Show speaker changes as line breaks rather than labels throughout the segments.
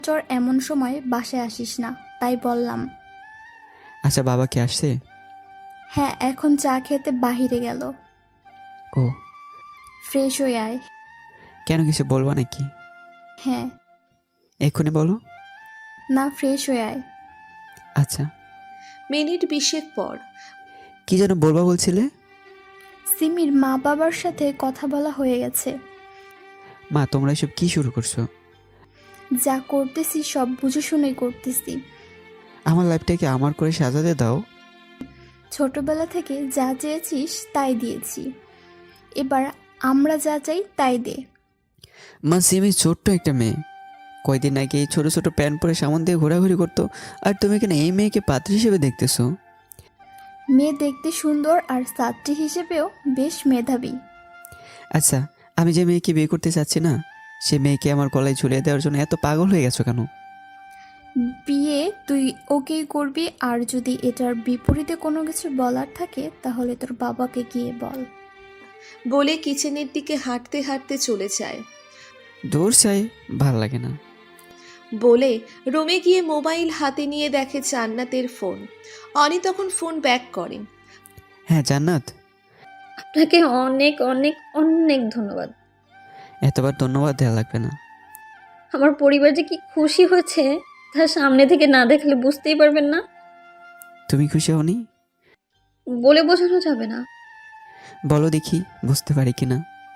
চর এমন সময় বাসায় আসিস না, তাই বললাম।
আচ্ছা, বাবা কি আসছে?
হ্যাঁ, এখন চা খেতে বাহিরে গেল।
ও,
ফ্রেশ হয়ে আয়।
কেন কিছু বলবা নাকি?
হ্যাঁ।
এক্ষুনি বলো।
না, ফ্রেশ হয়ে আয়।
আচ্ছা।
মিনিট 20 পর।
কি যেন বলবা বলছিলে?
সিমির মা বাবার সাথে কথা বলা হয়ে গেছে।
মা, তোমরা এসব কি শুরু করছো?
যা করতেছি সব বুঝে শুনেই করতেছি।
আমার লাইফটাকে আমার করে সাজাতে দাও।
ছোটবেলা থেকে যা চেয়েছিস তাই দিয়েছি, এবার আমরা যা চাই তাই দে।
মা, সিমি ছোট্ট একটা মেয়ে, কয়দিন আগে এই ছোট ছোট প্যান্ট পরে সামন দিয়ে ঘোরাঘুরি করতো, আর তুমি কেন এই মেয়েকে পাত্রী হিসেবে দেখতেছো?
মেয়ে দেখতে সুন্দর আর ছাত্রী হিসেবেও বেশ মেধাবী।
আচ্ছা, আমি যে মেয়েকে বিয়ে করতে চাচ্ছি না, সে মেয়েকে আমার গলায় ঝুলিয়ে দেওয়ার জন্য এত পাগল হয়ে গেছো কেন?
বিয়ে তুই ওকেই করবি, আর যদি এটার বিপরীতে কোনো কিছু বলার থাকে তাহলে তোর বাবাকে গিয়ে বল।
বলে কিচেনের দিকে হাঁটতে হাঁটতে চলে যায়।
দূর চাই, ভাল লাগে না।
বলে রুমে গিয়ে মোবাইল হাতে নিয়ে দেখে জান্নাতের ফোন। অনি তখন ফোন ব্যাক করে।
হ্যাঁ জান্নাত।
আপনাকে অনেক অনেক অনেক ধন্যবাদ।
এতবার ধন্যবাদ দেওয়া লাগবে না।
আমার পরিবার যে কি খুশি হয়েছে তার সামনে থেকে না দেখলে বুঝতেই পারবেন না।
তুমি খুশি হওনি?
বলে বোঝানো যাবে না।
বলো দেখি, বুঝতে পারি কিনা।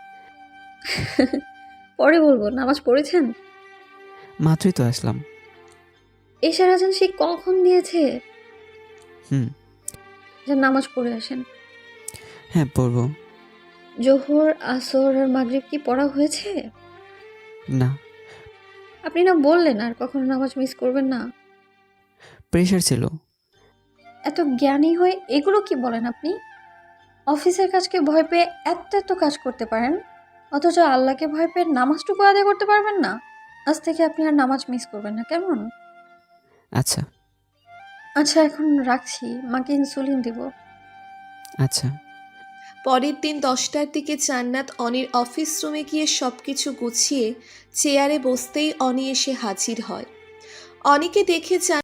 পরে বলবো। নামাজ পড়েছেন?
মাত্রই তো আসলাম।
এশার আজান সে কখন দিয়েছে?
হুম।
যে নামাজ পড়ে আসেন।
হ্যাঁ, পড়বো।
জোহর, আসর আর মাগরিব কি পড়া হয়েছে?
না।
আপনি না বললেন আর কখনো নামাজ মিস করবেন না?
প্রেশার ছিল।
এত জ্ঞানী হয়ে এগুলো কি বলেন আপনি? অফিসের কাজকে ভয় পেয়ে এত এত কাজ করতে পারেন, অথচ আল্লাহকে ভয় পেয়ে নামাজটুকু আদায় করতে পারবেন না। আজ থেকে আপনি আর নামাজ মিস করবেন না, কেমন?
আচ্ছা।
আচ্ছা, এখন রাখছি, মাকে ইনসুলিন দিব।
আচ্ছা।
পরের দিন 10টার দিকে জান্নাত অনির অফিস রুমে গিয়ে সবকিছু গুছিয়ে চেয়ারে বসতেই অনি এসে হাজির হয়। অনিকে দেখে